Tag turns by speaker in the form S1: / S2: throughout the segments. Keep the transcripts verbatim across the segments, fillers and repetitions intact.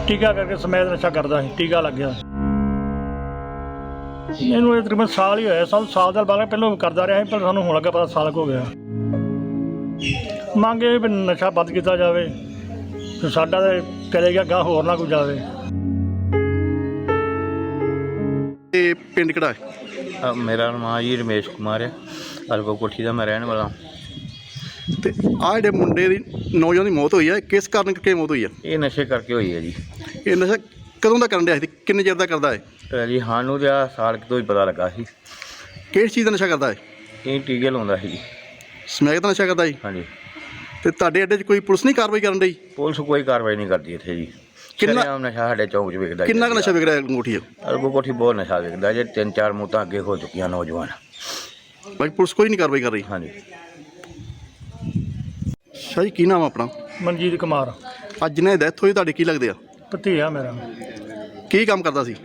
S1: ਟੀਕਾ ਕਰਕੇ ਸਮੈਦ ਨਸ਼ਾ ਕਰਦਾ ਸੀ, ਟੀਕਾ ਲੱਗ ਗਿਆ ਇਹਨੂੰ। ਇਹ ਤਕਰੀਬਨ ਸਾਲ ਹੀ ਹੋਇਆ, ਸਾਨੂੰ ਸਾਲ ਦਾ ਬਾਅਦ ਪਹਿਲਾਂ ਕਰਦਾ ਰਿਹਾ ਸੀ, ਪਰ ਸਾਨੂੰ ਹੁਣ ਲੱਗਾ ਪਤਾ ਸਾਲ ਕੁ ਹੋ ਗਿਆ। ਮੰਗ ਇਹ ਵੀ ਨਸ਼ਾ ਬੰਦ ਕੀਤਾ ਜਾਵੇ ਤੇ ਸਾਡਾ ਤਾਂ ਚਲੇ ਗਿਆ ਗਾਂ, ਹੋਰ ਨਾ ਕੋਈ ਜਾਵੇ।
S2: ਇਹ ਪਿੰਡ ਕਿਹੜਾ ਹੈ?
S3: ਅ, ਮੇਰਾ ਨਾਮ ਜੀ ਰਮੇਸ਼ ਕੁਮਾਰ ਹੈ, ਅਲਗੋ ਕੋਠੀ ਦਾ ਮੈਂ ਰਹਿਣ ਵਾਲਾ।
S2: ਤੇ ਆਹ ਜਿਹੜੇ ਮੁੰਡੇ ਦੀ ਨੌਜਵਾਨ ਦੀ ਮੌਤ ਹੋਈ ਹੈ, ਕਿਸ ਕਾਰਨ ਕਰਕੇ ਮੌਤ ਹੋਈ ਹੈ?
S3: ਇਹ ਨਸ਼ੇ ਕਰਕੇ ਹੋਈ ਹੈ ਜੀ।
S2: ਇਹ ਨਸ਼ਾ ਕਦੋਂ ਦਾ ਕਰਨ ਰਿਹਾ ਸੀ, ਕਿੰਨੇ ਚਿਰ ਦਾ ਕਰਦਾ ਹੈ?
S3: ਤੇ ਜੀ ਸਾਨੂੰ ਤਾਂ ਆਹ ਸਾਲ ਕੁ ਤੋਂ ਹੀ ਪਤਾ ਲੱਗਾ ਸੀ।
S2: ਕਿਹੜੀ ਚੀਜ਼ ਦਾ ਨਸ਼ਾ ਕਰਦਾ ਹੈ?
S3: ਇਹ ਟੀਕੇ ਲਾਉਂਦਾ ਸੀ ਜੀ।
S2: ਸਮੈਕ ਦਾ ਨਸ਼ਾ ਕਰਦਾ ਜੀ।
S3: ਹਾਂਜੀ।
S2: ਤੇ ਤੁਹਾਡੇ ਅੱਡੇ 'ਚ ਕੋਈ ਪੁਲਿਸ ਨਹੀਂ ਕਾਰਵਾਈ ਕਰਨ ਡਈ?
S3: ਪੁਲਿਸ ਕੋਈ ਕਾਰਵਾਈ ਨਹੀਂ ਕਰਦੀ ਇੱਥੇ ਜੀ।
S2: ਕਿੰਨਾ-
S3: ਸ਼ਰੇਆਮ ਨਸ਼ਾ ਸਾਡੇ ਚੌਂਕ 'ਚ ਵਿਕਦਾ।
S2: ਕਿੰਨਾ ਕੁ ਨਸ਼ਾ ਵਿਕ ਰਿਹਾ ਅੰਗੂਠੀ 'ਚ?
S3: ਅਲਗੋ ਕੋਠੀ ਬਹੁਤ ਨਸ਼ਾ ਵਿਕਦਾ ਜੇ, ਤਿੰਨ ਚਾਰ ਮੌਤਾਂ ਅੱਗੇ ਹੋ ਚੁੱਕੀਆਂ ਨੌਜਵਾਨ।
S2: ਬਾਕੀ ਪੁਲਿਸ ਕੋਈ ਨਹੀਂ ਕਾਰਵਾਈ ਕਰ ਰਹੀ।
S3: ਹਾਂਜੀ।
S2: ਸ਼ਾਹ ਜੀ, ਕੀ ਨਾਮ ਆ ਆਪਣਾ?
S1: ਮਨਜੀਤ ਕੁਮਾਰ,
S2: ਅੱਜ ਜਿਹਨੇ ਡੈਥ ਹੋਈ ਤੁਹਾਡੇ ਕੀ ਲੱਗਦੇ ਆ?
S1: ਭਤੀਆ ਮੇਰਾ।
S2: ਕੀ ਕੰਮ ਕਰਦਾ ਸੀ?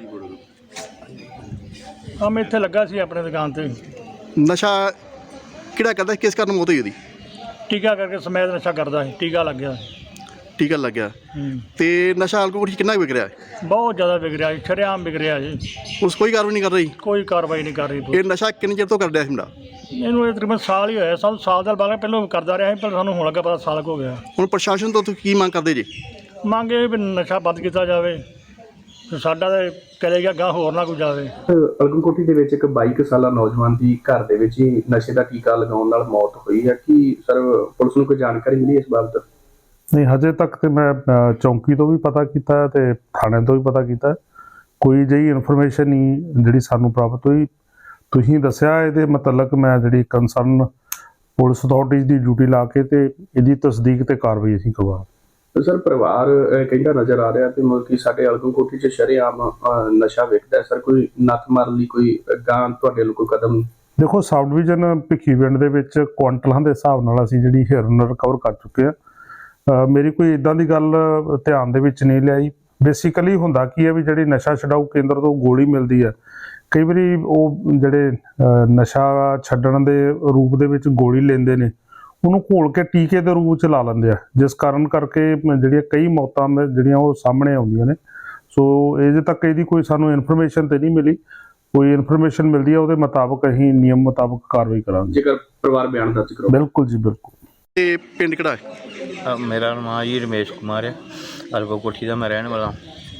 S1: ਆ ਮੈਂ ਇੱਥੇ ਲੱਗਾ ਸੀ ਆਪਣੇ ਦੁਕਾਨ ਤੇ,
S2: ਨਸ਼ਾ ਕਿਹੜਾ ਕਰਦਾ ਸੀ, ਕਿਸ ਕਾਰਨ ਮੌਤ ਹੋਈ ਉਹਦੀ?
S1: ਟੀਕਾ ਕਰਕੇ ਸਮੈਦ ਨਸ਼ਾ ਕਰਦਾ ਸੀ, ਟੀਕਾ ਲੱਗ ਗਿਆ।
S2: ਟੀਕਾ ਲੱਗਿਆ।
S1: ਹੂੰ।
S2: ਤੇ ਨਸ਼ਾ ਅੰਗੂਠੀ 'ਚ ਕਿੰਨਾ ਕੁ ਵਿਕ ਰਿਹਾ ਹੈ?
S1: ਬਹੁਤ ਜ਼ਿਆਦਾ ਵਿਕ ਰਿਹਾ ਜੀ, ਸ਼ਰੇਆਮ ਵਿਕ ਰਿਹਾ ਜੀ।
S2: ਪੁਲਿਸ ਕੋਈ ਕਾਰਵਾਈ ਨਹੀਂ ਕਰ ਰਹੀ।
S1: ਕੋਈ ਕਾਰਵਾਈ ਨਹੀਂ ਕਰ ਰਹੀ
S2: ਇਹ
S1: ਪੁਲਿਸ।
S2: ਨਸ਼ਾ ਕਿੰਨੇ ਚਿਰ ਤੋਂ ਕਰ ਰਿਹਾ ਸੀ ਮੁੰਡਾ?
S1: ਇਹਨੂੰ ਇਹ ਤਕਰੀਬਨ ਸਾਲ ਹੀ ਹੋਇਆ, ਸਾਨੂੰ ਸਾਲ ਦਾ ਬਾਅਦ ਪਹਿਲਾਂ ਕਰਦਾ ਰਿਹਾ ਸੀ, ਪਰ ਸਾਨੂੰ ਹੁਣ ਲੱਗਾ ਪਤਾ ਸਾਲ ਕੁ ਹੋ ਗਿਆ।
S2: ਹੁਣ ਪ੍ਰਸ਼ਾਸਨ ਤੋਂ ਤੁਸੀਂ ਕੀ ਮੰਗ ਕਰਦੇ ਜੀ?
S1: ਮੰਗ ਇਹ ਵੀ ਨਸ਼ਾ ਬੰਦ ਕੀਤਾ ਜਾਵੇ ਤੇ ਸਾਡਾ ਤਾਂ ਚਲੇ ਗਿਆ ਗਾਂ, ਹੋਰ ਨਾ ਕੋਈ ਜਾਵੇ।
S4: ਅਲਗਨ ਕੋਠੀ ਦੇ ਵਿੱਚ ਇੱਕ ਬਾਈ ਕੁ ਸਾਲਾ ਨੌਜਵਾਨ ਦੀ ਘਰ ਦੇ ਵਿੱਚ ਹੀ ਨਸ਼ੇ ਦਾ ਟੀਕਾ ਲਗਾਉਣ ਨਾਲ ਮੌਤ ਹੋਈ ਹੈ। ਕੀ ਸਰ ਪੁਲਿਸ ਨੂੰ ਕੋਈ ਜਾਣਕਾਰੀ ਮਿਲੀ ਇਸ ਬਾਬਤ?
S5: ਨਹੀਂ, ਹਜੇ ਤੱਕ ਤੇ ਮੈਂ ਅ, ਚੌਂਕੀ ਤੋਂ ਵੀ ਪਤਾ ਕੀਤਾ ਤੇ ਥਾਣੇ ਤੋਂ ਵੀ ਪਤਾ ਕੀਤਾ, ਕੋਈ ਜਿਹੀ ਇਨਫੋਰਮੇਸ਼ਨ ਨਹੀਂ ਜਿਹੜੀ ਸਾਨੂੰ ਪ੍ਰਾਪਤ ਹੋਈ। ਤੁਸੀਂ ਦੱਸਿਆ ਇਹਦੇ ਮੁਤਲਕ ਮੈਂ ਜਿਹੜੀ ਕੰਸਰਨ ਪੁਲਿਸ ਅਥਾਰਟੀਜ਼ ਦੀ ਡਿਊਟੀ ਲਾ ਕੇ ਤੇ ਇਹਦੀ ਤਸਦੀਕ ਤੇ ਕਾਰਵਾਈ ਅਸੀਂ ਕਰਵਾ।
S4: ਤੇ ਸਰ ਪਰਿਵਾਰ ਅਹ, ਕਹਿੰਦਾ ਨਜ਼ਰ ਆ ਰਿਹਾ ਤੇ ਮਤਲਬ ਕਿ ਸਾਡੇ ਅਲਗਨ ਕੋਠੀ 'ਚ ਸ਼ਰੇਆਮ ਅਹ, ਨਸ਼ਾ ਵਿਕਦਾ ਹੈ। ਸਰ ਕੋਈ ਨੱਥ ਮਾਰਨ ਲਈ ਕੋਈ ਗਾਂ ਤੁਹਾਡੇ ਵੱਲੋਂ ਕੋਈ ਕਦਮ?
S5: ਦੇਖੋ, ਸਬ ਡਿਵੀਜ਼ਨ ਭਿੱਖੀਵਿੰਡ ਦੇ ਵਿੱਚ ਕੁਆਂਟਲਾਂ ਦੇ ਹਿਸਾਬ ਨਾਲ ਅਸੀਂ ਜਿਹੜੀ ਹਿਰਨ ਰਿਕਵਰ ਕਰ ਚੁੱਕੇ ਆ। ਅ, ਮੇਰੀ ਕੋਈ ਇਦਾਂ ਦੀ ਗੱਲ ਧਿਆਨ ਦੇ ਵਿੱਚ ਨਹੀਂ ਲਿਆਈ। ਬੇਸਿਕਲੀ ਹੁੰਦਾ ਕੀ ਹੈ ਵੀ ਜਿਹੜੀ ਨਸ਼ਾ ਛਡਾਊ ਕੇਂਦਰ ਤੋਂ ਗੋਲੀ ਮਿਲਦੀ ਹੈ, ਕਈ ਵਾਰੀ ਉਹ ਜਿਹੜੇ ਅ, ਨਸ਼ਾ ਛੱਡਣ ਦੇ ਰੂਪ ਦੇ ਵਿੱਚ ਗੋਲੀ ਲੈਂਦੇ ਨੇ, ਉਹਨੂੰ ਘੋਲ ਕੇ ਟੀਕੇ ਦੇ ਰੂਪ 'ਚ ਲਾ ਲੈਂਦੇ ਆ, ਜਿਸ ਕਾਰਨ ਕਰਕੇ ਜਿਹੜੀਆਂ ਕਈ ਮੌਤਾਂ ਜਿਹੜੀਆਂ ਉਹ ਸਾਹਮਣੇ ਆਉਂਦੀਆਂ ਨੇ। ਸੋ ਅਜੇ ਤੱਕ ਇਹਦੀ ਕੋਈ ਸਾਨੂੰ ਇਨਫੋਰਮੇਸ਼ਨ ਤੇ ਨਹੀਂ ਮਿਲੀ। ਕੋਈ ਇਨਫੋਰਮੇਸ਼ਨ ਮਿਲਦੀ ਹੈ ਉਹਦੇ ਮੁਤਾਬਕ ਅਸੀਂ ਨਿਯਮ ਮੁਤਾਬਕ ਕਾਰਵਾਈ ਕਰਾਂਗੇ।
S4: ਜੇਕਰ ਪਰਿਵਾਰ ਬਿਆਨ ਦਰਜ ਕਰੋ।
S5: ਬਿਲਕੁਲ ਜੀ, ਬਿਲਕੁਲ।
S2: ਇਹ ਪਿੰਡ ਕਿਹੜਾ ਹੈ?
S3: ਅ, ਮੇਰਾ ਨਾਮ ਜੀ ਰਮੇਸ਼ ਕੁਮਾਰ ਹੈ, ਅਲਗੋ ਕੋਠੀ ਦਾ ਮੈਂ ਰਹਿਣ ਵਾਲਾ।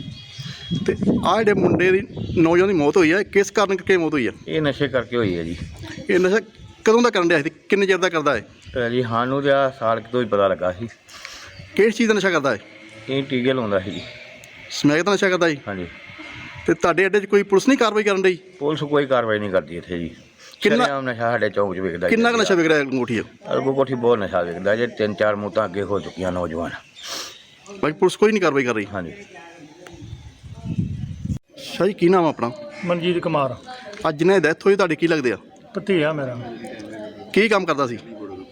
S2: ਤੇ ਆਹ ਜਿਹੜੇ ਮੁੰਡੇ ਦੀ ਨੌਜਵਾਨ ਦੀ ਮੌਤ ਹੋਈ ਹੈ, ਕਿਸ ਕਾਰਨ ਕਰਕੇ ਮੌਤ ਹੋਈ ਹੈ?
S3: ਇਹ ਨਸ਼ੇ ਕਰਕੇ ਹੋਈ ਹੈ ਜੀ।
S2: ਇਹ ਨਸ਼ਾ ਕਦੋਂ ਦਾ ਕਰਨ ਰਿਹਾ ਸੀ, ਕਿੰਨੇ ਚਿਰ ਦਾ ਕਰਦਾ ਹੈ?
S3: ਤੇ ਜੀ ਸਾਨੂੰ ਤਾਂ ਆਹ ਸਾਲ ਕੁ ਤੋਂ ਹੀ ਪਤਾ ਲੱਗਾ ਸੀ।
S2: ਕਿਹੜੀ ਚੀਜ਼ ਦਾ ਨਸ਼ਾ ਕਰਦਾ ਹੈ?
S3: ਇਹ ਟੀਕੇ ਲਾਉਂਦਾ ਸੀ ਜੀ।
S2: ਸਮੈਕ ਦਾ ਨਸ਼ਾ ਕਰਦਾ ਜੀ।
S3: ਹਾਂਜੀ।
S2: ਤੇ ਤੁਹਾਡੇ ਅੱਡੇ 'ਚ ਕੋਈ ਪੁਲਿਸ ਨਹੀਂ ਕਾਰਵਾਈ ਕਰਨ ਡਈ?
S3: ਪੁਲਿਸ ਕੋਈ ਕਾਰਵਾਈ ਨਹੀਂ ਕਰਦੀ ਇੱਥੇ ਜੀ।
S2: ਕਿੰਨਾ-
S3: ਸ਼ਰੇਆਮ ਨਸ਼ਾ ਸਾਡੇ ਚੌਂਕ 'ਚ ਵਿਕਦਾ।
S2: ਕਿੰਨਾ ਕੁ ਨਸ਼ਾ ਵਿਕ ਰਿਹਾ ਅੰਗੂਠੀ 'ਚ?
S3: ਅਲਗੋ ਕੋਠੀ ਬਹੁਤ ਨਸ਼ਾ ਵਿਕਦਾ ਜੇ, ਤਿੰਨ ਚਾਰ ਮੌਤਾਂ ਅੱਗੇ ਹੋ ਚੁੱਕੀਆਂ ਨੌਜਵਾਨ।
S2: ਬਾਕੀ ਪੁਲਿਸ ਕੋਈ ਨਹੀਂ ਕਾਰਵਾਈ ਕਰ ਰਹੀ।
S3: ਹਾਂਜੀ।
S2: ਸ਼ਾਹ ਜੀ, ਕੀ ਨਾਮ ਆ ਆਪਣਾ?
S1: ਮਨਜੀਤ ਕੁਮਾਰ,
S2: ਅੱਜ ਜਿਹਨੇ ਡੈਥ ਹੋਈ ਤੁਹਾਡੇ ਕੀ ਲੱਗਦੇ ਆ?
S1: ਭਤੀਆ ਮੇਰਾ।
S2: ਕੀ ਕੰਮ ਕਰਦਾ ਸੀ?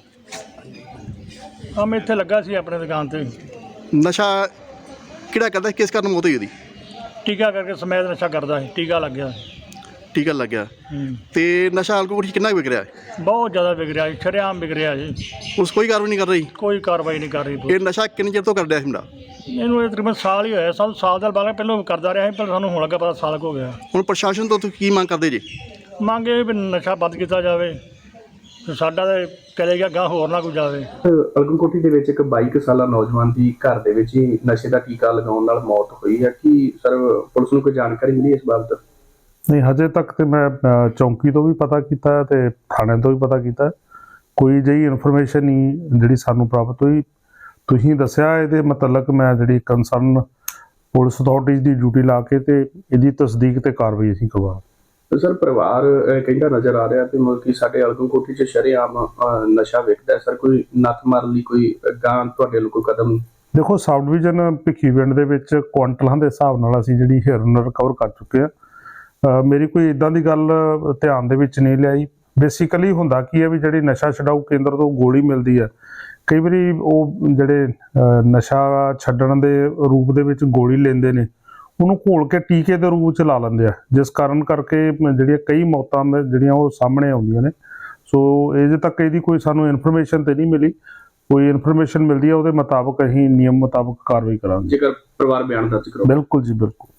S1: ਆ ਮੈਂ ਇੱਥੇ ਲੱਗਾ ਸੀ ਆਪਣੇ ਦੁਕਾਨ ਤੇ,
S2: ਨਸ਼ਾ ਕਿਹੜਾ ਕਰਦਾ ਸੀ, ਕਿਸ ਕਾਰਨ ਮੌਤ ਹੋਈ ਉਹਦੀ?
S1: ਟੀਕਾ ਕਰਕੇ ਸਮੈਦ ਨਸ਼ਾ ਕਰਦਾ ਸੀ, ਟੀਕਾ ਲੱਗ ਗਿਆ।
S2: ਟੀਕਾ ਲੱਗਿਆ।
S1: ਹੂੰ।
S2: ਤੇ ਨਸ਼ਾ ਅੰਗੂਠੀ 'ਚ ਕਿੰਨਾ ਕੁ ਵਿਕ ਰਿਹਾ ਹੈ?
S1: ਬਹੁਤ ਜ਼ਿਆਦਾ ਵਿਕ ਰਿਹਾ ਜੀ, ਸ਼ਰੇਆਮ ਵਿਕ ਰਿਹਾ ਜੀ।
S2: ਪੁਲਿਸ ਕੋਈ ਕਾਰਵਾਈ ਨਹੀਂ ਕਰ ਰਹੀ।
S1: ਕੋਈ ਕਾਰਵਾਈ ਨਹੀਂ ਕਰ ਰਹੀ ਪੁਲਿਸ।
S2: ਇਹ ਨਸ਼ਾ ਕਿੰਨੇ ਚਿਰ ਤੋਂ ਕਰ ਰਿਹਾ ਸੀ ਮੁੰਡਾ?
S1: ਇਹਨੂੰ ਇਹ ਤਕਰੀਬਨ ਸਾਲ ਹੀ ਹੋਇਆ, ਸਾਨੂੰ ਸਾਲ ਦਾ ਬਾਅਦ ਪਹਿਲਾਂ ਕਰਦਾ ਰਿਹਾ ਸੀ, ਪਰ ਸਾਨੂੰ ਹੁਣ ਲੱਗਾ ਪਤਾ ਸਾਲ ਕੁ ਹੋ ਗਿਆ।
S2: ਹੁਣ ਪ੍ਰਸ਼ਾਸਨ ਤੋਂ ਤੁਸੀਂ ਕੀ ਮੰਗ ਕਰਦੇ ਜੀ?
S1: ਮੰਗ ਇਹ ਵੀ ਨਸ਼ਾ ਬੰਦ ਕੀਤਾ ਜਾਵੇ ਤੇ ਸਾਡਾ ਤਾਂ ਚਲੇ ਗਿਆ ਗਾਂ, ਹੋਰ ਨਾ ਕੋਈ ਜਾਵੇ।
S4: ਅਲਗਨ ਕੋਠੀ ਦੇ ਵਿੱਚ ਇੱਕ ਬਾਈ ਕੁ ਸਾਲਾ ਨੌਜਵਾਨ ਦੀ ਘਰ ਦੇ ਵਿੱਚ ਹੀ ਨਸ਼ੇ ਦਾ ਟੀਕਾ ਲਗਾਉਣ ਨਾਲ ਮੌਤ ਹੋਈ ਹੈ। ਕੀ ਸਰ ਪੁਲਿਸ ਨੂੰ ਕੋਈ ਜਾਣਕਾਰੀ ਮਿਲੀ ਇਸ ਬਾਬਤ?
S5: ਨਹੀਂ, ਹਜੇ ਤੱਕ ਤੇ ਮੈਂ ਅ, ਚੌਂਕੀ ਤੋਂ ਵੀ ਪਤਾ ਕੀਤਾ ਤੇ ਥਾਣੇ ਤੋਂ ਵੀ ਪਤਾ ਕੀਤਾ, ਕੋਈ ਜਿਹੀ ਇਨਫੋਰਮੇਸ਼ਨ ਨਹੀਂ ਜਿਹੜੀ ਸਾਨੂੰ ਪ੍ਰਾਪਤ ਹੋਈ। ਤੁਸੀਂ ਦੱਸਿਆ ਇਹਦੇ ਮੁਤਲਕ ਮੈਂ ਜਿਹੜੀ ਕੰਸਰਨ ਪੁਲਿਸ ਅਥਾਰਟੀਜ਼ ਦੀ ਡਿਊਟੀ ਲਾ ਕੇ ਤੇ ਇਹਦੀ ਤਸਦੀਕ ਤੇ ਕਾਰਵਾਈ ਅਸੀਂ ਕਰਵਾ।
S4: ਤੇ ਸਰ ਪਰਿਵਾਰ ਅਹ, ਕਹਿੰਦਾ ਨਜ਼ਰ ਆ ਰਿਹਾ ਤੇ ਮਤਲਬ ਕਿ ਸਾਡੇ ਅਲਗਨ ਕੋਠੀ 'ਚ ਸ਼ਰੇਆਮ ਅਹ, ਨਸ਼ਾ ਵਿਕਦਾ ਹੈ। ਸਰ ਕੋਈ ਨੱਥ ਮਾਰਨ ਲਈ ਕੋਈ ਗਾਂ ਤੁਹਾਡੇ ਵੱਲੋਂ ਕੋਈ ਕਦਮ?
S5: ਦੇਖੋ, ਸਬ ਡਿਵੀਜ਼ਨ ਭਿੱਖੀਵਿੰਡ ਦੇ ਵਿੱਚ ਕੁਆਂਟਲਾਂ ਦੇ ਹਿਸਾਬ ਨਾਲ ਅਸੀਂ ਜਿਹੜੀ ਹਿਰਨ ਰਿਕਵਰ ਕਰ ਚੁੱਕੇ ਆ। ਅ, ਮੇਰੀ ਕੋਈ ਇਦਾਂ ਦੀ ਗੱਲ ਧਿਆਨ ਦੇ ਵਿੱਚ ਨਹੀਂ ਲਿਆਈ। ਬੇਸਿਕਲੀ ਹੁੰਦਾ ਕੀ ਹੈ ਵੀ ਜਿਹੜੀ ਨਸ਼ਾ ਛਡਾਊ ਕੇਂਦਰ ਤੋਂ ਗੋਲੀ ਮਿਲਦੀ ਹੈ, ਕਈ ਵਾਰੀ ਉਹ ਜਿਹੜੇ ਅ, ਨਸ਼ਾ ਛੱਡਣ ਦੇ ਰੂਪ ਦੇ ਵਿੱਚ ਗੋਲੀ ਲੈਂਦੇ ਨੇ, ਉਹਨੂੰ ਘੋਲ ਕੇ ਟੀਕੇ ਦੇ ਰੂਪ 'ਚ ਲਾ ਲੈਂਦੇ ਆ, ਜਿਸ ਕਾਰਨ ਕਰਕੇ ਜਿਹੜੀਆਂ ਕਈ ਮੌਤਾਂ ਜਿਹੜੀਆਂ ਉਹ ਸਾਹਮਣੇ ਆਉਂਦੀਆਂ ਨੇ। ਸੋ ਅਜੇ ਤੱਕ ਇਹਦੀ ਕੋਈ ਸਾਨੂੰ ਇਨਫੋਰਮੇਸ਼ਨ ਤੇ ਨਹੀਂ ਮਿਲੀ। ਕੋਈ ਇਨਫੋਰਮੇਸ਼ਨ ਮਿਲਦੀ ਹੈ ਉਹਦੇ ਮੁਤਾਬਕ ਅਸੀਂ ਨਿਯਮ ਮੁਤਾਬਕ ਕਾਰਵਾਈ ਕਰਾਂਗੇ।
S4: ਜੇਕਰ ਪਰਿਵਾਰ ਬਿਆਨ ਦਰਜ ਕਰੋ।
S5: ਬਿਲਕੁਲ ਜੀ, ਬਿਲਕੁਲ।